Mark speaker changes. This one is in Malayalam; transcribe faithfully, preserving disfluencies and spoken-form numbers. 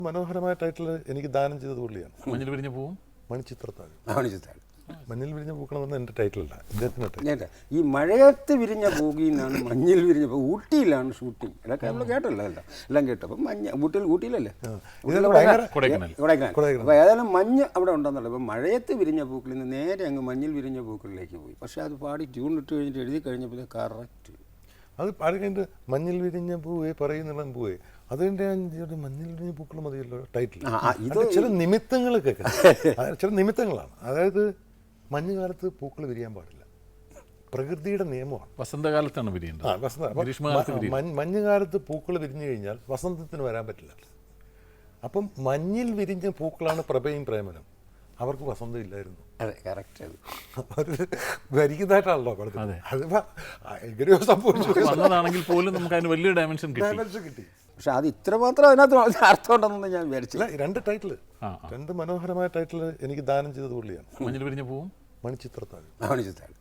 Speaker 1: മനോഹരമായ ടൈറ്റിൽ എനിക്ക് ദാനം ചെയ്തത് പുള്ളിയാണ്.
Speaker 2: മഞ്ഞിൽ വിരിഞ്ഞ പൂവും
Speaker 1: മണിച്ചിത്രത്താഴ്.
Speaker 3: മണിച്ചിത്രത്താഴ്
Speaker 1: മഞ്ഞിൽ വിരിഞ്ഞ പൂക്കണമെന്ന് എൻ്റെ ടൈറ്റിലല്ല, ഇദ്ദേഹത്തിൻ്റെ.
Speaker 3: ഈ മഴയത്ത് വിരിഞ്ഞ പൂകിൽ നിന്നാണ് മഞ്ഞിൽ വിരിഞ്ഞ പൂ. ഊട്ടിയിലാണ് ഷൂട്ടിങ്. ഇതൊക്കെ നമ്മൾ കേട്ടല്ലോ, എല്ലാം എല്ലാം കേട്ടു. അപ്പം മഞ്ഞ ഊട്ടിയിൽ ഊട്ടിയിലല്ലേ കൊടൈക്കനാൽ. അപ്പോൾ ഏതായാലും മഞ്ഞ് അവിടെ ഉണ്ടെന്നുള്ളത്. അപ്പം മഴയത്ത് വിരിഞ്ഞ പൂക്കളിൽ നിന്ന് നേരെ അങ്ങ് മഞ്ഞിൽ വിരിഞ്ഞ പൂക്കളിലേക്ക് പോയി. പക്ഷേ അത് പാടി ട്യൂൺ ഇട്ട് കഴിഞ്ഞിട്ട് എഴുതി കഴിഞ്ഞപ്പോൾ കറക്റ്റ്
Speaker 1: അത് പാടി കഴിഞ്ഞിട്ട് മഞ്ഞിൽ വിരിഞ്ഞ പൂവേ പറയുന്നുള്ള പൂവേ അതിൻ്റെ മഞ്ഞിൽ വിരിഞ്ഞ പൂക്കൾ മതിയല്ലോ ടൈറ്റിൽ. ഇത് ചില നിമിത്തങ്ങളൊക്കെ ചില നിമിത്തങ്ങളാണ്. അതായത് മഞ്ഞുകാലത്ത് പൂക്കൾ വിരിയാൻ പാടില്ല, പ്രകൃതിയുടെ നിയമമാണ്.
Speaker 2: വസന്തകാലത്താണ് വിരിയേണ്ടത്.
Speaker 1: ആ വസന്ത മഞ്ഞുകാലത്ത് പൂക്കൾ വിരിഞ്ഞു കഴിഞ്ഞാൽ വസന്തത്തിന് വരാൻ പറ്റില്ല. അപ്പം മഞ്ഞിൽ വിരിഞ്ഞ പൂക്കളാണ് പ്രഭയും പ്രേമനും. അവർക്ക് വസന്തം ഇല്ലായിരുന്നു.
Speaker 3: അതെ, കറക്റ്റ്.
Speaker 1: അത് വരിക്കുന്നതായിട്ടാണല്ലോ പഠിത്തം. അതിപ്പോ എങ്ങനെയോ
Speaker 2: സംഭവിച്ചതാണെങ്കിൽ പോലും നമുക്ക് അതിന് വലിയ ഡയമെൻഷൻ
Speaker 1: കിട്ടി.
Speaker 3: പക്ഷെ അത് ഇത്രമാത്രം അതിനകത്ത് അർത്ഥം ഉണ്ടെന്ന് ഞാൻ വിചാരിച്ചില്ല.
Speaker 1: രണ്ട് ടൈറ്റിൽ, രണ്ട് മനോഹരമായ ടൈറ്റിൽ എനിക്ക് ദാനം ചെയ്തത് പുള്ളിയാണ്.
Speaker 2: മഞ്ഞിൽ വിരിഞ്ഞ പൂവും
Speaker 1: മണിച്ചിത്രത്താഴ്.
Speaker 3: മണിച്ചിത്രത്താഴ്